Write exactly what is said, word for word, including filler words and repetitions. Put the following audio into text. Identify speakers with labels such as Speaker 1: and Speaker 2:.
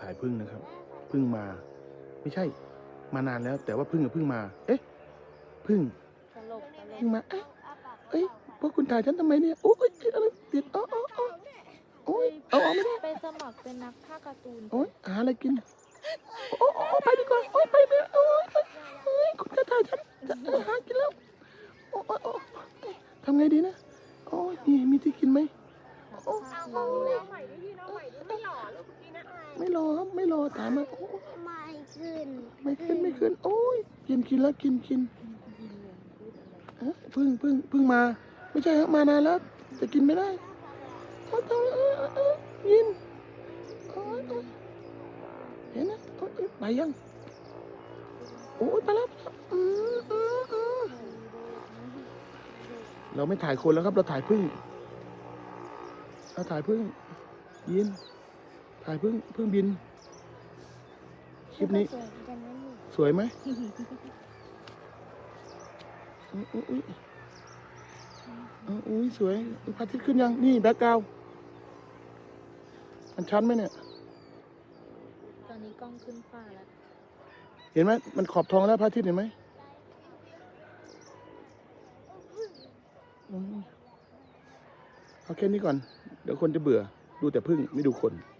Speaker 1: ายพึ่งนะครับพึ่งมาไม่ใช่มานานแล้วแต่ว่าพึ่งกับพึ่งมาเอ๊ะพึ่งพึ่งมาเอ๊ะเอ้ยพวกคุณถ่ายฉันทำไมเนี่ยโอ้ยอะไรติดอ๋ออ๋ออ๋อโอ้ยเอาออกไม่ได้
Speaker 2: ไปสมัครเป็นนักพากย์การ์ตูน
Speaker 1: โอ้ยหาอะไรกินโอ้โอ้ไปดีกว่าโอ้ยไปเนี่ยโอ้ยโอ้ยคุณจะถ่ายฉันจะหากินแล้วโอ้ยโอ้ทำไงดีนะโอ้ยมีมีที่กินไหมโอ้
Speaker 3: เอาเอาเอาใหม่ดิพี่น้องใหม่ดิไม่หล่อลูกพี่นะอาย
Speaker 1: ไม่รอครับไม่รอถามมาโอ้
Speaker 3: ไม่ขึ้น
Speaker 1: ไม่ขึ้นไม่ขึ้นโอ้ยกินกินแล้วกินกินฮะพึ่งพึ่งพึ่งมาไม่ใช่ครับมานานแล้วจะกินไม่ได้เขาทำเออเออกินโอ้ยเห็นนะโอ้ยไปยังโอ้ยไปแล้วอืมอืมอืมเราไม่ถ่ายคนแล้วครับเราถ่ายพึ่งเราถ่ายพึ่งยินถ่ายพึ่งพึ่งบินคลิปนี้สวยไหมอุ้ยอุ้ยอุ้ยอุ้ยสวยพระอาทิตย์ขึ้นยังนี่แบ็คกราวด์มันชันไหมเนี่ย
Speaker 2: ตอนนี้กล้องขึ้นฟ้าแล้ว
Speaker 1: เห็นไหมมันขอบทองแล้วพระอาทิตย์เห็นไหมอืมเอาแค่นี้ก่อนเดี๋ยวคนจะเบื่อดูแต่พึ่งไม่ดูคน